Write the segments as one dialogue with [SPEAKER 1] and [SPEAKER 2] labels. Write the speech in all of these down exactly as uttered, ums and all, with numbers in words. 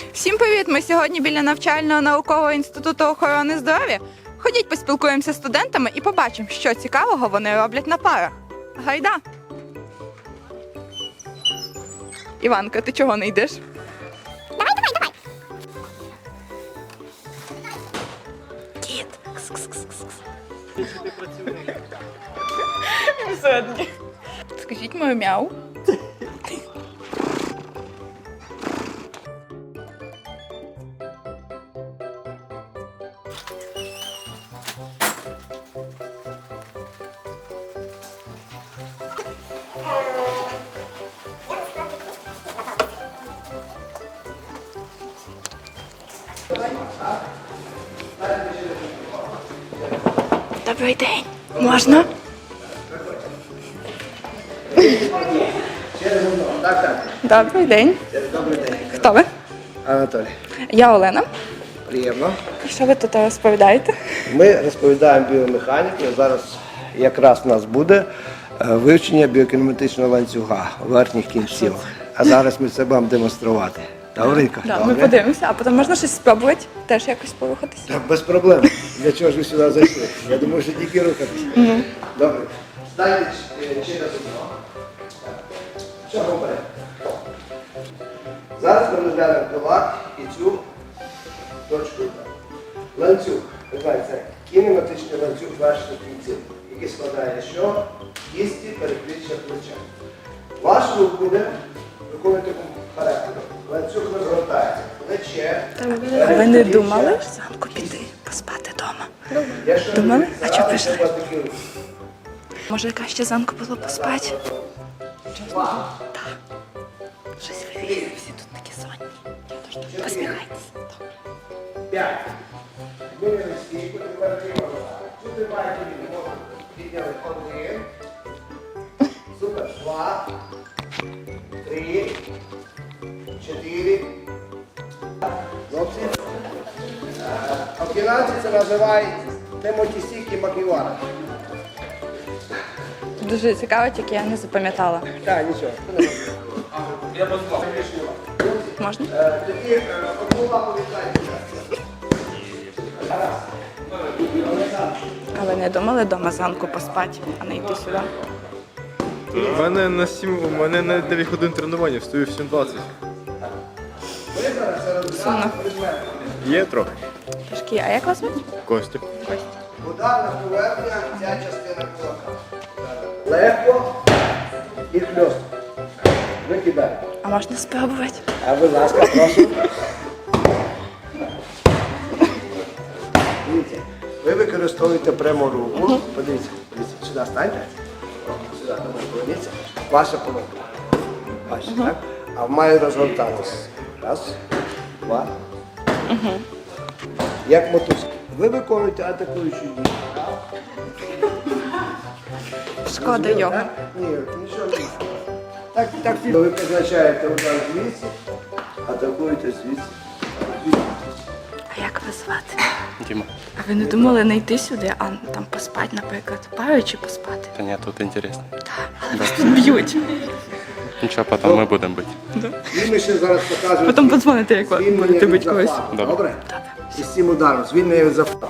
[SPEAKER 1] Всім привіт! Ми сьогодні біля навчального наукового інституту охорони здоров'я. Ходіть поспілкуємося з студентами і побачимо, що цікавого вони роблять на парах. Гайда! Іванка, ти чого не йдеш?
[SPEAKER 2] Давай, давай, давай.
[SPEAKER 1] Кіт! Скажіть мою мяу. Добрий день. Можна?
[SPEAKER 3] Так, так.
[SPEAKER 1] Добрий день.
[SPEAKER 3] Добрий день.
[SPEAKER 1] Хто ви?
[SPEAKER 3] Анатолій.
[SPEAKER 1] Я Олена.
[SPEAKER 3] Приємно.
[SPEAKER 1] І що ви тут розповідаєте?
[SPEAKER 3] Ми розповідаємо біомеханіку. Зараз якраз у нас буде е, вивчення біокінематичного ланцюга верхніх кінців. А зараз ми це будемо демонструвати. Добренько?
[SPEAKER 1] Да, ми
[SPEAKER 3] Добре?
[SPEAKER 1] подивимося, а потім можна щось спробувати, теж якось порухатися.
[SPEAKER 3] Так, без проблем. Для чого ж ви сюди зайшли? Я думаю, що тільки рухатися.
[SPEAKER 1] Ну.
[SPEAKER 3] Добре. Станьте е, через одного. Що говоримо? Зараз ми розглянемо кулак і цю точку. Ланцюг. Ви знаєте, це кінематичний ланцюг верхніх кінців, який складає що? Кісті, передпліччя, плеча. Ваш рух буде виконувати характер. Ланцюг розгортається. Плече.
[SPEAKER 1] А ви не думали зранку піти поспати вдома?
[SPEAKER 3] Якщо
[SPEAKER 1] Думали?
[SPEAKER 3] ви
[SPEAKER 1] А чого
[SPEAKER 3] зараз
[SPEAKER 1] пішли?
[SPEAKER 3] у вас такий рух.
[SPEAKER 1] Може, яка ще зранку було поспати?
[SPEAKER 3] Два.
[SPEAKER 1] Щось ви всі тут такі сонні. Посміхайтеся.
[SPEAKER 3] П'ять. Змінили стійку, тепер ліва рука. Цю тримаєте ліву ногу. Підняли один. Супер. Два. Три. Чотири. Хлопці. В кінці це називають темотісіки маківара.
[SPEAKER 1] Дуже цікаво, тільки я не запам'ятала.
[SPEAKER 3] Так, нічого. Я
[SPEAKER 1] Можна?
[SPEAKER 3] Тоді е, одну лапу віддайте.
[SPEAKER 1] А ви не думали вдома зранку поспати, а не йти сюди?
[SPEAKER 4] У мене на сім, у мене на дев'ять годин тренування, встаю в сім двадцять.
[SPEAKER 1] Сумно.
[SPEAKER 4] Є трохи.
[SPEAKER 1] Трошки. А як вас звуть?
[SPEAKER 4] Костя.
[SPEAKER 3] Ударна поверхня, ця частина кулака. Легко і хльостко. Викидаємо.
[SPEAKER 1] А можна спробувати?
[SPEAKER 3] А будь ласка, прошу. Дивіться, ви використовуєте пряму руку. Подивіться, подивіться, сюди станьте. О, сюди, добре, поверніться. Ваша половина. Ваша, так? А має розгортатися. Раз, два. Як мотузка. Ви виконуєте атакуючу дію.
[SPEAKER 1] Шкода його.
[SPEAKER 3] Так? Ні, нічого не буде. Так, так, ви призначаєте удар звідси, атакуєте звідси.
[SPEAKER 1] А як вас звати?
[SPEAKER 4] Діма.
[SPEAKER 1] А ви не думали не йти сюди, а там поспати, наприклад, парою чи поспати?
[SPEAKER 4] Та ні, тут інтересно.
[SPEAKER 1] Але вас тут б'ють.
[SPEAKER 4] Нічого, потім ми будемо бити.
[SPEAKER 3] І ми ще зараз покажемо.
[SPEAKER 1] Потім подзвоните, як ви
[SPEAKER 3] звільнення
[SPEAKER 1] будете
[SPEAKER 3] від
[SPEAKER 1] бити когось.
[SPEAKER 3] захвату.
[SPEAKER 4] Добре.
[SPEAKER 3] Добре? І з цим ударом, звільнення від захвату.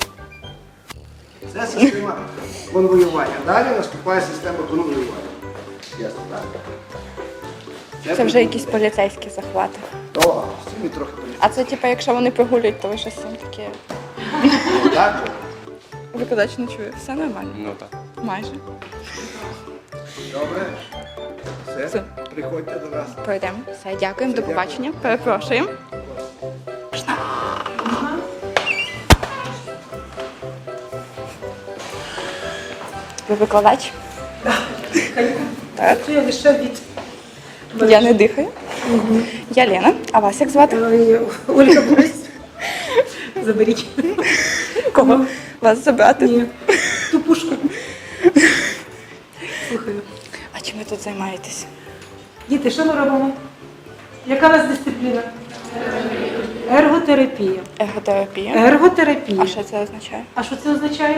[SPEAKER 3] Це система конвоювання. Далі наступає система конвоювання. Ясно, так?
[SPEAKER 1] Це вже якісь поліцейські захвати.
[SPEAKER 3] О, з цим і трохи поліцейські.
[SPEAKER 1] А це типу, якщо вони прогулюють, то ви щось їм таке.
[SPEAKER 3] Так?
[SPEAKER 1] Викладач не чує. Все нормально.
[SPEAKER 4] Ну так.
[SPEAKER 1] Майже.
[SPEAKER 3] Добре. Все.
[SPEAKER 1] Все.
[SPEAKER 3] Приходьте до нас.
[SPEAKER 1] Пройдемо. Все, дякуємо, до побачення. Перепрошуємо. Можна? Ви викладач? Так.
[SPEAKER 5] Я лише від
[SPEAKER 1] Я не дихаю. Я Лена. А вас як звати?
[SPEAKER 5] Ой, Ольга Борис. Заберіть.
[SPEAKER 1] Кого? Вас забрати?
[SPEAKER 5] Ні. Ту пушку. Слухаю.
[SPEAKER 1] А чим ви тут займаєтесь?
[SPEAKER 5] Діти, що ми робимо? Яка у вас дисципліна? Ерготерапія.
[SPEAKER 1] Ерготерапія.
[SPEAKER 5] Ерготерапія.
[SPEAKER 1] А що це означає?
[SPEAKER 5] А що це означає?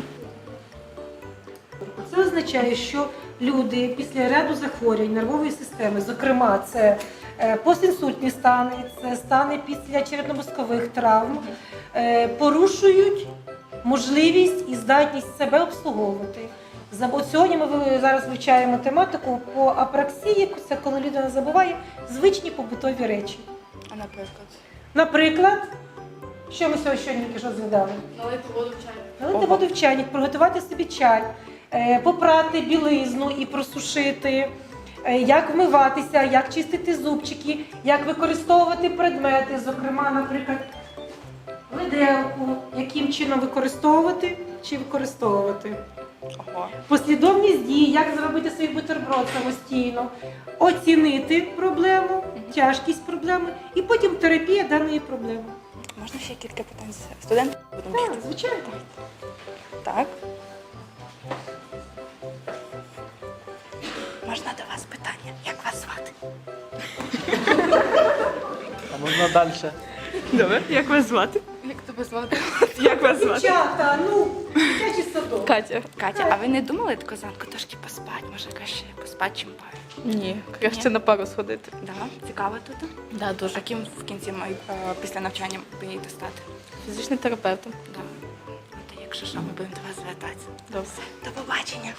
[SPEAKER 5] Це означає, що люди після ряду захворювань нервової системи, зокрема, це Е, Постінсультні стани, це стани після черепно-мозкових травм, е, порушують можливість і здатність себе обслуговувати. За- от Сьогодні ми ви- зараз вивчаємо тематику по апраксії, це коли людина забуває звичні побутові речі.
[SPEAKER 1] А наприклад?
[SPEAKER 5] Наприклад, що ми сьогодні тільки що згадали?
[SPEAKER 6] Налити воду в чай.
[SPEAKER 5] Налити воду в чайник, приготувати собі чай, е, попрати білизну і просушити, е, як вмиватися, як чистити зубчики, як використовувати предмети, зокрема, наприклад, виделку, яким чином використовувати чи використовувати.
[SPEAKER 1] Ого.
[SPEAKER 5] Послідовність дій, як зробити свій бутерброд самостійно, оцінити проблему, тяжкість проблеми і потім терапія даної проблеми.
[SPEAKER 1] Можна ще кілька питань з студентів? Будемо
[SPEAKER 5] Так,
[SPEAKER 1] бігти.
[SPEAKER 5] звичайно.
[SPEAKER 1] Так. Можна до вас питання? Як вас звати?
[SPEAKER 7] А можна далі?
[SPEAKER 1] Добре. Як вас звати?
[SPEAKER 6] Як тебе звати?
[SPEAKER 1] Як вас звати?
[SPEAKER 5] Дівчата, ну, дитячий садок.
[SPEAKER 1] Катя. Катя, а ви не думали таку зранку трошки поспати? Може, краще поспати, чим пари?
[SPEAKER 6] Ні, краще на пару сходити.
[SPEAKER 1] Да? Цікаво тут?
[SPEAKER 6] Да, дуже.
[SPEAKER 1] А ким в кінці май- е, після навчання мрієте стати?
[SPEAKER 6] Фізичним терапевтом.
[SPEAKER 1] Да. Ну, то якщо що, ми будемо до вас звертатися.
[SPEAKER 6] Добре.
[SPEAKER 1] До побачення.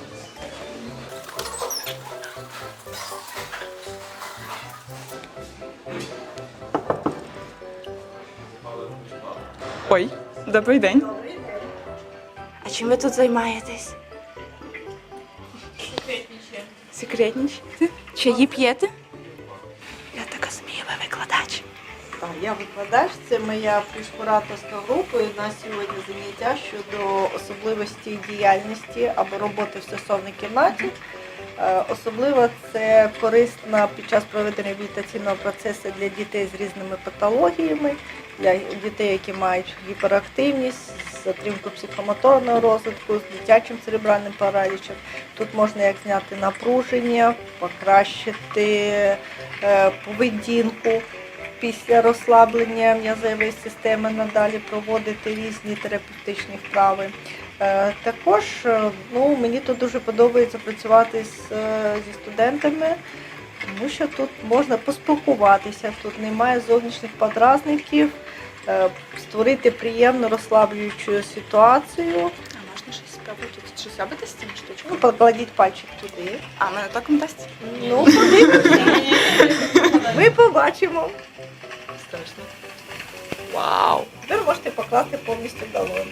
[SPEAKER 1] Ой, добрий день. Добрий день. А чим ви тут займаєтесь? Секретнічаємо. Секретнічаєте? Чаї п'єте? Я так розумію, ви викладач.
[SPEAKER 8] Так, я викладач, це моя плюс-кураторська група. І у нас сьогодні заняття щодо особливості діяльності або роботи в стосовній кімнаті. Е, Особливо це корисно під час проведення реабілітаційного процесу для дітей з різними патологіями, для дітей, які мають гіперактивність, затримку психомоторного розвитку, з дитячим церебральним паралічем. Тут можна як зняти напруження, покращити е, поведінку. Після розслаблення м'язової системи надалі проводити різні терапевтичні вправи. Е, Також е, ну, мені тут дуже подобається працювати з, е, зі студентами, тому що тут можна поспілкуватися, тут немає зовнішніх подразників, е, створити приємну розслаблюючу ситуацію.
[SPEAKER 1] А можна щось спробувати? Тут щось робити з цими
[SPEAKER 8] Ну,
[SPEAKER 1] штучками?
[SPEAKER 8] покладіть пальчик туди.
[SPEAKER 1] А мене током дасть?
[SPEAKER 8] Ну, подивимося. Ми побачимо.
[SPEAKER 1] Страшно. Вау!
[SPEAKER 8] Тепер можете покласти повністю долоню.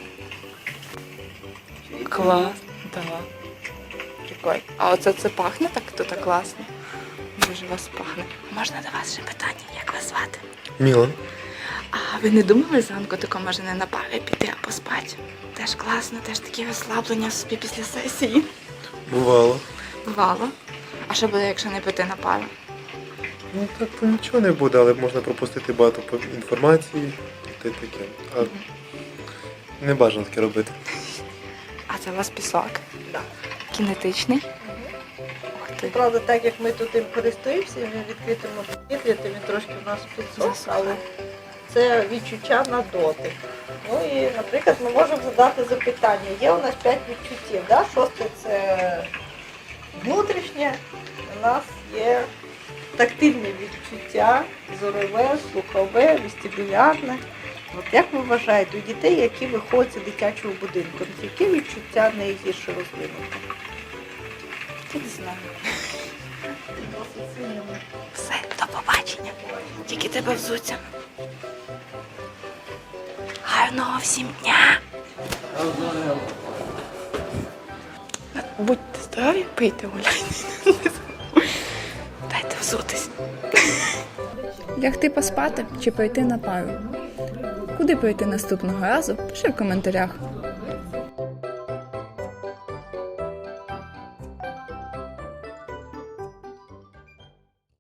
[SPEAKER 1] Клас, да. Прикольно. А оце це пахне так тут класно. Дуже вас пахне. Можна до вас ще питання, як вас звати?
[SPEAKER 4] Мілан.
[SPEAKER 1] А ви не думали зранку тако може не на пари піти, а поспати? Теж класно, теж такі розслаблення собі після сесії.
[SPEAKER 4] Бувало.
[SPEAKER 1] Бувало. А що буде, якщо не піти на пару?
[SPEAKER 4] Ну так то нічого не буде, але можна пропустити багато по- інформації і те таке. А не бажано таке робити.
[SPEAKER 1] А це у вас пісок?
[SPEAKER 8] Так.
[SPEAKER 1] Кінетичний? Ух ти.
[SPEAKER 8] Правда, так як ми тут їм користуємося, він відкритому повітрі, то він трошки в нас підсох, але це відчуття на дотик. Ну і, наприклад, ми можемо задати запитання. Є у нас п'ять відчуттів. Да? Шосте це внутрішнє, у нас є тактильне відчуття, зорове, слухове, вестибулярне. От як ви вважаєте, у дітей, які виходять з дитячого будинку, які відчуття найгірше розвинуті?
[SPEAKER 1] Я не знаю. Все, до побачення. Тільки тебе взуться. Гарного всім дня! Будьте здорові, пийте гуляйте. Дайте взутись.
[SPEAKER 9] Лягти поспати чи пойти на пару? Куди прийти наступного разу? Пиши в коментарях.